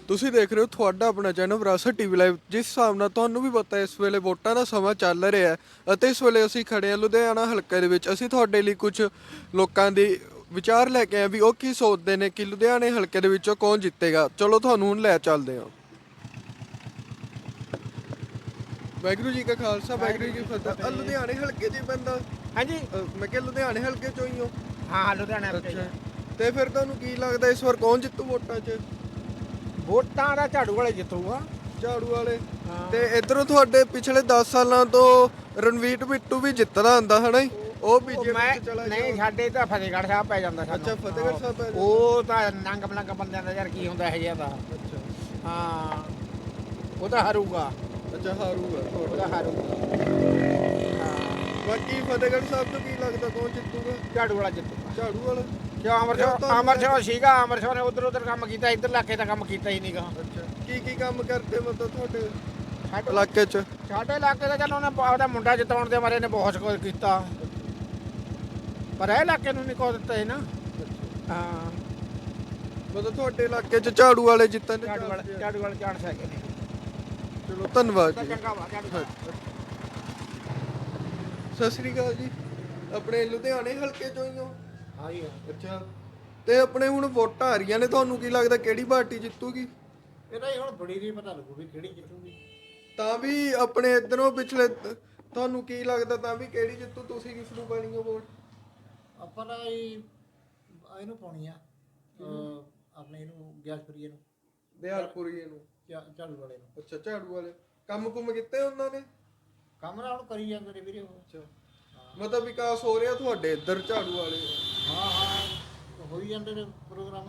ਤੁਸੀਂ ਦੇਖ ਰਹੇ ਹੋ ਤੁਹਾਡਾ ਆਪਣਾ ਚੈਨਲ ਵਿਰਾਸਤ ਟੀਵੀ ਲਾਈਵ। ਜਿਸ ਹਿਸਾਬ ਨਾਲ ਤੁਹਾਨੂੰ ਵੀ ਪਤਾ ਇਸ ਵੇਲੇ ਵੋਟਾਂ ਦਾ ਸਮਾਂ ਚੱਲ ਰਿਹਾ ਹੈ ਅਤੇ ਇਸ ਵੇਲੇ ਅਸੀਂ ਖੜੇ ਹਾਂ ਲੁਧਿਆਣਾ ਹਲਕੇ ਦੇ ਵਿੱਚ। ਅਸੀਂ ਤੁਹਾਡੇ ਲਈ ਕੁਝ ਲੋਕਾਂ ਦੇ ਵਿਚਾਰ ਲੈ ਕੇ ਆਏ ਵੀ ਉਹ ਕੀ ਸੋਚਦੇ ਨੇ ਕਿ ਲੁਧਿਆਣੇ ਹਲਕੇ ਦੇ ਵਿੱਚੋਂ ਕੌਣ ਜਿੱਤੇਗਾ। ਚਲੋ ਤੁਹਾਨੂੰ ਹੁਣ ਲੈ ਚੱਲਦੇ ਹਾਂ। ਵਾਹਿਗੁਰੂ ਜੀ ਕਾ ਖਾਲਸਾ ਵਾਹਿਗੁਰੂ ਜੀ ਕੀ ਫਤਿਹ। ਲੁਧਿਆਣੇ ਹਲਕੇ 'ਚ ਹੀ ਪੈਂਦਾ? ਹਾਂਜੀ ਮੈਂ ਕਿਹਾ ਲੁਧਿਆਣੇ ਹਲਕੇ 'ਚੋਂ ਹੀ ਹੋ? ਹਾਂ ਲੁਧਿਆਣਾ ਅੱਛਾ, ਤੇ ਫਿਰ ਤੁਹਾਨੂੰ ਕੀ ਲੱਗਦਾ ਇਸ ਵਾਰ ਕੌਣ ਜਿੱਤੂ ਵੋਟਾਂ 'ਚ? ਵੋਟਾਂ ਦਾ ਝਾੜੂ ਵਾਲੇ ਜਿੱਤੂਗਾ। ਝਾੜੂ ਵਾਲੇ। ਹਾਂ। ਤੇ ਇਧਰੋਂ ਤੁਹਾਡੇ ਪਿਛਲੇ 10 ਸਾਲਾਂ ਤੋਂ ਰਣਵੀਰ ਬਿੱਟੂ ਵੀ ਜਿੱਤਦਾ ਹੁੰਦਾ ਹਨਾ ਜੀ? ਉਹ ਬੀਜੇਪੀ ਚ ਚਲਾ ਗਿਆ। ਨਹੀਂ, ਸਾਡੇ ਤਾਂ ਫਤਿਹਗੜ੍ਹ ਸਾਹਿਬ ਪੈ ਜਾਂਦਾ ਸਾਨੂੰ। ਅੱਛਾ, ਫਤਿਹਗੜ੍ਹ ਸਾਹਿਬ ਪੈ ਜਾਂਦਾ। ਉਹ ਤਾਂ ਨੰਗ ਬਲੰਗ ਬੰਦਿਆਂ ਦਾ ਯਾਰ ਕੀ ਹੁੰਦਾ ਇਹ ਜਿਹਾ ਦਾ। ਅੱਛਾ ਹਾਂ, ਉਹ ਤਾਂ ਹਾਰੂਗਾ। ਅੱਛਾ, ਹਾਰੂਗਾ ਉਹਦਾ ਹਾਰੂਗਾ। ਹਾਂ, ਬਾਕੀ ਫਤਿਹਗੜ੍ਹ ਸਾਹਿਬ ਤੋਂ ਕੀ ਲੱਗਦਾ ਕੌਣ ਜਿੱਤੂਗਾ? ਝਾੜੂ ਵਾਲਾ ਜਿੱਤੂਗਾ। ਝਾੜੂ ਵਾਲਾ। ਕਿਉਂ ਅੰਮ੍ਰਿਤਸਰ ਸੀਗਾ, ਅੰਮ੍ਰਿਤਸਰ ਨੇ ਉਧਰ ਕੰਮ ਕੀਤਾ, ਇੱਧਰ ਇਲਾਕੇ ਦਾ ਕੰਮ ਕੀਤਾ ਹੀ ਨਹੀਂਗਾ। ਅੱਛਾ, ਕੀ ਕੰਮ ਕਰਦੇ ਮਤਲਬ ਤੁਹਾਡੇ ਸਾਡੇ ਇਲਾਕੇ 'ਚ? ਸਾਡੇ ਇਲਾਕੇ ਦਾ ਚੱਲ ਉਹਨੇ ਉਹਦਾ ਮੁੰਡਾ ਜਿਤਾਉਣ ਦੇ ਬਾਰੇ ਨੇ ਬਹੁਤ ਕੁਝ ਕੀਤਾ, ਪਰ ਇਹ ਇਲਾਕੇ ਨੂੰ ਨਹੀਂ ਕੁਝ ਦਿੱਤਾ ਸੀ ਨਾ। ਹਾਂ, ਮਤਲਬ ਤੁਹਾਡੇ ਇਲਾਕੇ 'ਚ ਝਾੜੂ ਵਾਲੇ ਜਿੱਤਣ ਦੇ ਝਾੜੂ ਵਾਲੇ ਚਾਂਸ ਹੈਗੇ ਨੇ। ਚਲੋ ਧੰਨਵਾਦ ਤਾਂ ਜੀ। ਚੰਗਾ ਵਾ ਝਾੜੂ। ਸਤਿ ਸ੍ਰੀ ਅਕਾਲ ਜੀ। ਆਪਣੇ ਲੁਧਿਆਣੇ ਹਲਕੇ 'ਚੋਂ ਹੀ ਹੋ? ਹਾਂ ਜੀ। ਅੱਛਾ, ਤੇ ਆਪਣੇ ਹੁਣ ਵੋਟਾਂ ਆ ਰਹੀਆਂ ਨੇ, ਤੁਹਾਨੂੰ ਕੀ ਲੱਗਦਾ ਕਿਹੜੀ ਪਾਰਟੀ ਜਿੱਤੂਗੀ? ਇਹਦਾ ਹੀ ਹੁਣ ਬੜੀ ਨਹੀਂ ਪਤਾ ਲੱਗੂ ਵੀ ਕਿਹੜੀ ਜਿੱਤੂਗੀ। ਤਾਂ ਵੀ ਆਪਣੇ ਇਧਰੋਂ ਪਿਛਲੇ ਤੁਹਾਨੂੰ ਕੀ ਲੱਗਦਾ ਤਾਂ ਵੀ ਕਿਹੜੀ ਜਿੱਤੂ? ਤੁਸੀਂ ਕਿਸ ਨੂੰ ਪਾਣੀ ਹੋ ਵੋਟ? ਆਪਾਂ ਤਾਂ ਇਹਨੂੰ ਪਾਉਣੀ ਆ, ਆਪਣੇ ਇਹਨੂੰ ਗੈਸਪਰੀਏ ਨੂੰ, ਬਿਹਾਰਪੁਰੀਏ ਨੂੰ। ਝਾੜੂ ਵਾਲੇ ਨੂੰ। ਅੱਛਾ, ਝਾੜੂ ਵਾਲੇ ਕੰਮ ਕੁਮ ਕੀਤੇ ਉਹਨਾਂ ਨੇ? ਕੰਮ ਨਾਲ ਹੁਣ ਕਰੀ ਜਾਂਦੇ ਨੇ ਵੀਰੇ ਉਹ। ਅੱਛਾ, ਮਤਲਬ ਵਿਕਾਸ ਹੋ ਰਿਹਾ ਤੁਹਾਡੇ ਇੱਧਰ ਝਾੜੂ ਵਾਲੇ? ਹਾਂ ਹਾਂ, ਹੋਈ ਜਾਂਦੇ ਨੇ ਪ੍ਰੋਗਰਾਮ।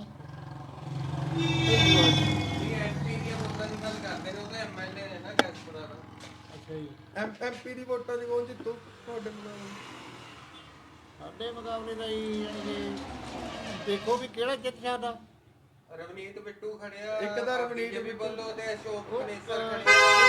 ਅੱਛਾ ਜੀ। ਐਮਪੀ ਦੀ ਵੋਟਾਂ 'ਚ ਕੌਣ ਜਿੱਤੂ ਤੁਹਾਡੇ ਮੁਕਾਬਲੇ? ਸਾਡੇ ਮੁਕਾਬਲੇ ਦਾ ਹੀ ਯਾਨੀ ਕਿ ਦੇਖੋ ਵੀ ਕਿਹੜਾ ਜਿੱਤ ਸਕਦਾ। ਰਵਨੀਤ ਬਿੱਟੂ ਖੜਿਆ, ਇੱਕ ਤਾਂ ਰਵਨੀਤ BJP ਬਿੱਟੂ ਵੱਲੋਂ ਤੇ ਅਸ਼ੋਕ ਉਹ ਕਨੇਸਰ ਖੜਿਆ।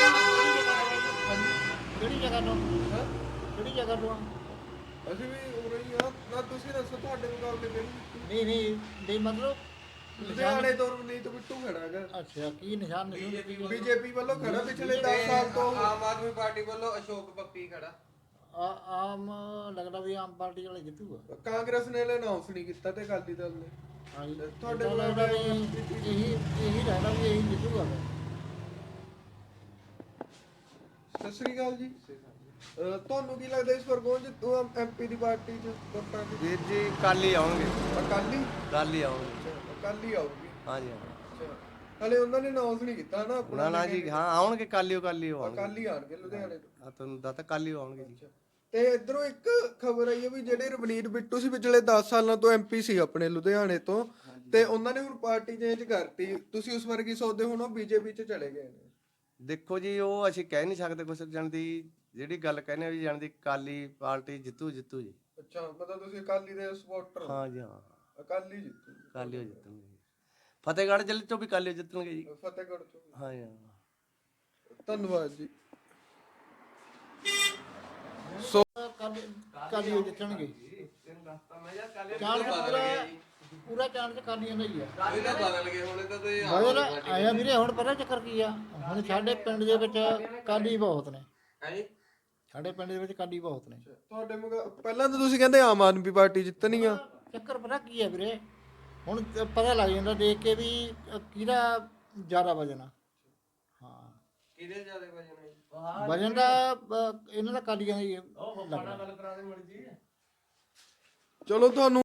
ਕਿਹੜੀ ਜਗ੍ਹਾ ਤੋਂ? ਹਾਂ, ਕਿਹੜੀ ਜਗ੍ਹਾ ਤੋਂ ਆ? ਅਸੀਂ ਵੀ ਹੋ ਰਹੀ ਆ ਨਾ। ਤੁਸੀਂ ਦੱਸੋ ਤੁਹਾਡੇ ਮੁਕਾਬਲੇ ਕਿਹੜੀ ਜਿੱਤੂ? ਨਹੀਂ ਮਤਲਬ ਲੁਧਿਆਣੇ ਤੋਂ ਰਵਨੀਤ ਬਿੱਟੂ ਖੜਾ ਹੈਗਾ। ਅੱਛਾ, ਕੀ ਨਿਸ਼ਾਨ ਬੀਜੇਪੀ ਵੱਲੋਂ ਖੜਾ ਪਿਛਲੇ 10 ਸਾਲ ਤੋਂ। ਆਮ ਆਦਮੀ ਪਾਰਟੀ ਵੱਲੋਂ ਅਸ਼ੋਕ ਪੱਪੀ ਖੜਾ। ਆਮ ਲੱਗਦਾ ਵੀ ਆਮ ਪਾਰਟੀ ਵਾਲੇ ਜਿੱਤੂਗਾ। ਕਾਂਗਰਸ ਨੇ ਅਨਾਉਂਸ ਨਹੀਂ ਕੀਤਾ ਤੇ ਅਕਾਲੀ ਦਲ ਨੇ। ਹਾਂਜੀ, ਤੁਹਾਡੇ ਤੁਹਾਡੇ ਲੱਗਦਾ ਵੀ ਇਹੀ ਰਹਿਣਾ ਵੀ ਇਹੀ ਜਿੱਤੂਗਾ। ਸਤਿ ਸ੍ਰੀ ਅਕਾਲ ਜੀ। ਤੁਹਾਨੂੰ ਕੀ ਲੱਗਦਾ ਇਸ ਵਾਰ ਕੌਣ ਜਿੱਤੂ ਐਮਪੀ ਦੀ ਪਾਰਟੀ 'ਚ ਵੋਟਾਂ 'ਚ? ਵੀਰ ਜੀ ਕੱਲ ਹੀ ਆਉਣਗੇ। ਅਕਾਲੀ? ਕੱਲ ਹੀ ਆਉਣਗੇ। ਅੱਛਾ, ਅਕਾਲੀ ਆਊਗੀ। ਹਾਂਜੀ ਹਾਂ। ਅੱਛਾ, ਹਲੇ ਉਹਨਾਂ ਨੇ ਅਨਾਉਂਸ ਨਹੀਂ ਕੀਤਾ ਨਾ ਆਪਣਾ? ਨਾ ਜੀ, ਹਾਂ ਆਉਣਗੇ ਕੱਲ ਹੀ ਆਉਣਗੇ। ਅਕਾਲੀ ਆਣਗੇ ਲੁਧਿਆਣੇ ਤੋਂ। ਆ ਤੁਹਾਨੂੰ ਦੱਸਤਾ ਕੱਲ ਹੀ ਆਉਣਗੇ ਜੀ। ਤੇ ਇਧਰੋਂ ਇੱਕ ਖਬਰ ਆਈ ਹੈ ਵੀ ਜਿਹੜੇ ਰਵਨੀਤ ਬਿੱਟੂ ਸੀ ਪਿਛਲੇ 10 ਸਾਲਾਂ ਤੋਂ ਐਮਪੀ ਸੀ ਆਪਣੇ ਲੁਧਿਆਣੇ ਤੋਂ, ਤੇ ਉਹਨਾਂ ਨੇ ਹੁਣ ਪਾਰਟੀ ਚੇਂਜ ਕਰਤੀ। ਤੁਸੀਂ ਉਸ ਬਾਰੇ ਕੀ ਸੋਚਦੇ ਹੋ? ਹੁਣ ਉਹ ਬੀਜੇਪੀ 'ਚ ਚਲੇ ਗਏ ਨੇ। ਦੇਖੋ ਜੀ, ਉਹ ਅਸੀਂ ਕਹਿ ਨਹੀਂ ਸਕਦੇ ਕੁਛ। ਜਾਣ ਦੀ ਜਿਹੜੀ ਗੱਲ ਕਹਿੰਦੇ ਆ ਵੀ ਜਾਣ ਦੀ ਕਾਲੀ ਪਾਰਟੀ ਜਿੱਤੂ ਜੀ। ਅੱਛਾ, ਮਤਲਬ ਤੁਸੀਂ ਅਕਾਲੀ ਦੇ ਸਪੋਰਟਰ ਹੋ? ਹਾਂ ਜੀ ਹਾਂ, ਅਕਾਲੀ ਜਿੱਤੂ? ਕਾਲੀ ਹੋ ਜਿੱਤਣਗੇ ਜੀ। ਫਤਿਹਗੜ੍ਹ ਜ਼ਿਲ੍ਹੇ ਚੋਂ ਵੀ ਕਾਲੀ ਜਿੱਤਣਗੇ ਜੀ। ਫਤਿਹਗੜ੍ਹ ਤੋਂ? ਹਾਂ ਜੀ ਹਾਂ। ਧੰਨਵਾਦ ਜੀ। ਕਾਲੀ ਹੋ ਜਿੱਤਣਗੇ। ਚਾਂਸ ਪੂਰਾ ਚਾਂਸ ਕਾਲੀਆਂ ਦਾ ਹੀ ਆ। ਇਹ ਤਾਂ ਬਦਲ ਗਏ ਹੁਣ ਤਾਂ ਤੇ ਬਦਲ ਆਇਆ ਵੀਰੇ। ਹੁਣ ਪਤਾ ਚੱਕਰ ਕੀ ਆ, ਹੁਣ ਸਾਡੇ ਪਿੰਡ ਦੇ ਵਿੱਚ ਕਾਲੀ ਬਹੁਤ ਨੇ। ਹੈ ਜੀ। ਸਾਡੇ ਪਿੰਡ ਦੇ ਵਿੱਚ ਕਾਲੀ ਬਹੁਤ ਨੇ। ਤੁਹਾਡੇ ਪਹਿਲਾਂ ਤਾਂ ਤੁਸੀਂ ਕਹਿੰਦੇ ਆਮ ਆਦਮੀ ਪਾਰਟੀ ਜਿੱਤਣੀ ਆ। ਚੱਕਰ ਪਤਾ ਕੀ ਆ ਵੀਰੇ, ਹੁਣ ਪਤਾ ਲੱਗ ਜਾਂਦਾ ਦੇਖ ਕੇ ਵੀ ਕਿਹਦਾ ਜ਼ਿਆਦਾ ਵਜਨ ਆ। ਹਾਂ, ਕਿਹਦੇ ਜ਼ਿਆਦਾ ਵਜਨ ਹੈ? ਵਜਨ ਦਾ ਇਹਨਾਂ ਦਾ ਕਾਲੀਆਂ ਦਾ ਹੀ ਲੱਗਦਾ। ਚਲੋ ਤੁਹਾਨੂੰ